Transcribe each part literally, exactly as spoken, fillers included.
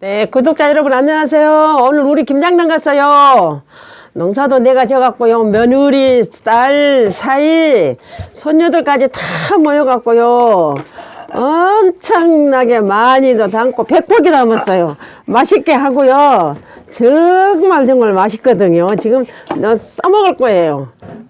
네, 구독자 여러분 안녕하세요. 오늘 우리 김장당 갔어요. 농사도 내가 져갖고요. 며느리, 딸, 사이, 손녀들까지 다 모여갖고요. 엄청나게 많이도 담고 백 포기 담았어요. 맛있게 하고요. 정말 정말 맛있거든요. 지금 너 써먹을 거예요.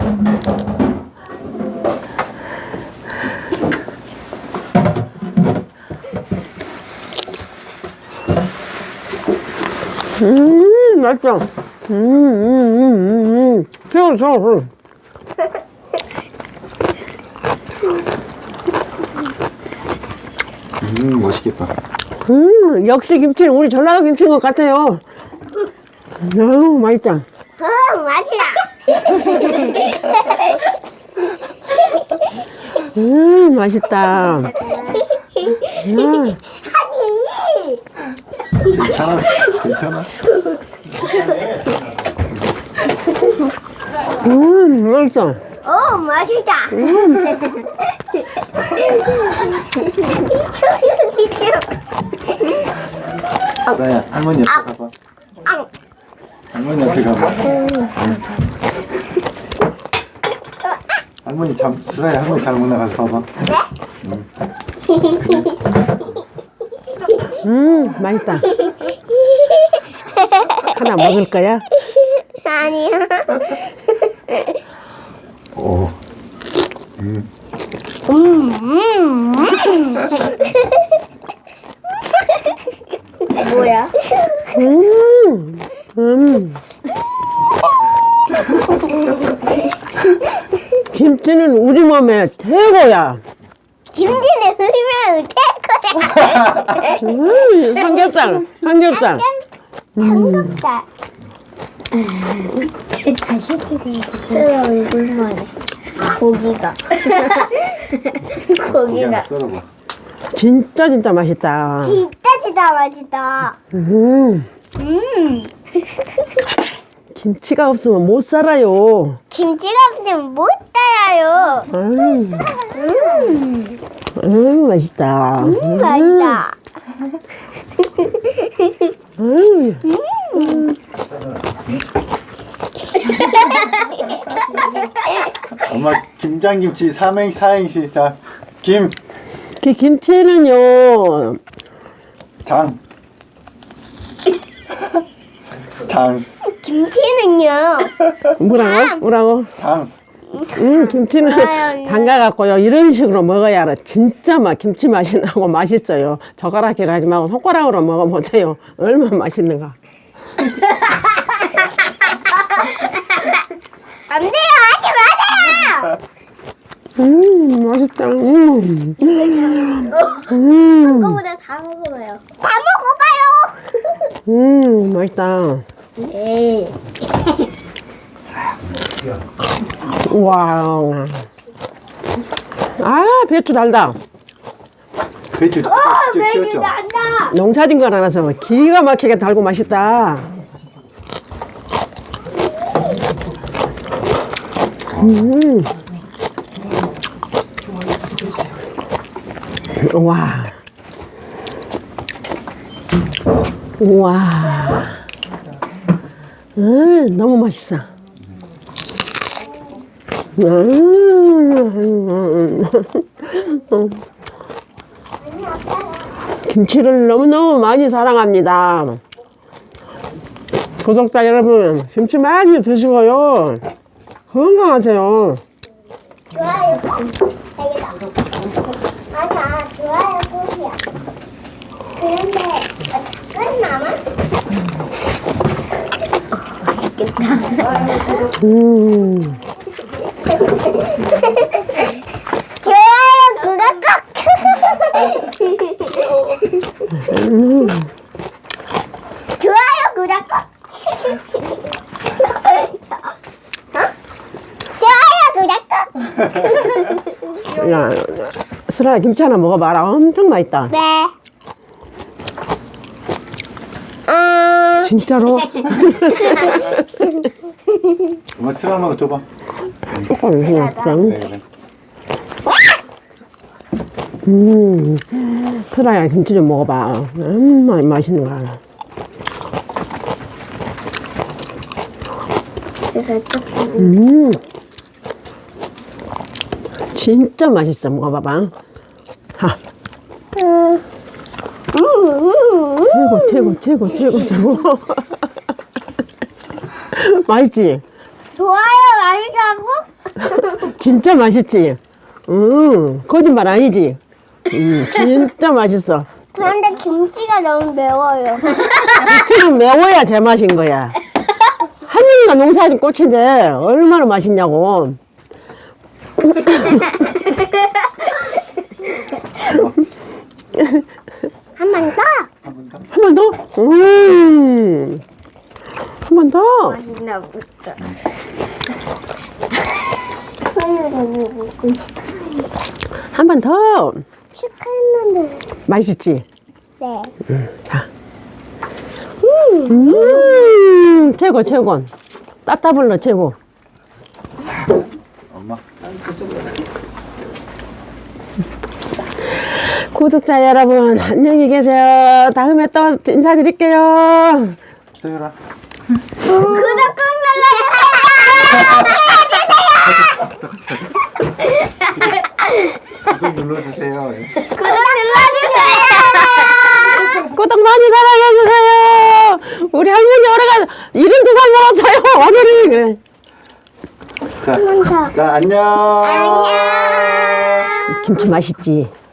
음, 맛있어. 음, 음, 음, 음. 새우, 새우, 음, 맛있겠다. 음, 역시 김치는 우리 전라도 김치인 것 같아요. 너무 맛있다. 응, 맛이다. 음, 맛있다. 음. 괜찮아, 괜찮아. 음, 맛있어. 오, 맛있다. 이쪽, 이쪽. 수라야, 할머니 옆에 가봐. 할머니 옆에 가봐. 할머니 잠, 수라야, 할머니 잘못 나가서 봐봐. 음, 맛있다. 하나 먹을 거야? 아니야. 오. 음. 음, 음, 음. 뭐야? 음, 음. 김치는 우리 몸에 최고야. 김치는 흐르면 될 거야. 음, 삼겹살, 삼겹살. 삼겹살. 다시 들어 얼굴만해. 고기가. 고기 하나 고기가. 썰어봐. 진짜 진짜 맛있다. 진짜 진짜 맛있다. 음, 음. 김치가 없으면 못 살아요. 김치가 없으면 못 따라요. 음, 음. 음, 맛있다. 음, 맛있다. 음, 엄마 김장김치 삼행 사행시. 자, 김, 그 김치는요. 장. 장, 김치는요. 뭐라고? 뭐라고? 장. 음, 김치는 아유, 담가갖고요. 이런 식으로 먹어야 알아. 진짜 막 김치 맛이 나고 맛있어요. 젓가락질 하지 말고 손가락으로 먹어보세요. 얼마나 맛있는가. 안 돼요, 하지 마세요. 음, 맛있다. 음. 음, 그거보다 다 먹어봐요. 다 먹어봐요. 음, 맛있다. 에이. 우와. 아, 배추 달다. 배추 어, 쭉 매주 튀었죠? 난다. 농사진 거라서 기가 막히게 달고 맛있다. 음. 와. 우와. 음, 너무 맛있어. 음. 김치를 너무너무 많이 사랑합니다. 구독자 여러분, 김치 많이 드시고요. 건강하세요. 좋아요. 알겠다. 아니야, 좋아요, 꼭이야. 그런데 끝나면? 맛있겠다. 음. 좋아요, 구독 꼭! 음. 좋아요, 구독 꼭! 어? 좋아요, 구독 꼭! 야, 슬아 김치 하나 먹어봐라. 엄청 맛있다. 네. 음, 진짜로? 엄마 수라 엄마가 줘봐. 조금 그냥 그래, 그래. 음, 트라야 김치 좀 먹어봐. 음, 마- 맛있는 거야. 제가 조금 음, 진짜 맛있어. 먹어봐봐. 하, 음, 음, 최고, 최고, 최고, 최고, 최고. 맛있지? 좋아요 맛있다고? 진짜 맛있지? 음, 거짓말 아니지? 음, 진짜 맛있어. 그런데 김치가 너무 매워요. 김치는 매워야 제맛인 거야. 한민이가 농사진 꽃인데 얼마나 맛있냐고. 한 번 더. 한 번 더. 한 번 더? 음, 한 번 더. 맛있나 보다. 손으로 먹고 한 번 더. 축하했는데. 맛있지? 네. 자. 음, 최고, 최고. 따따블러 최고. 엄마. 구독자 여러분, 안녕히 계세요. 다음에 또 인사드릴게요. 서유라. 구독 꾹 구독 눌러주세요. 눌러주세요. 구독 눌러주세요. 구독 많이 사랑해주세요. 우리 할머니 오래가 일흔두 살 먹었어요. 오늘이. 그래. 자, 한 번 더. 자 안녕. 안녕. 김치 맛있지?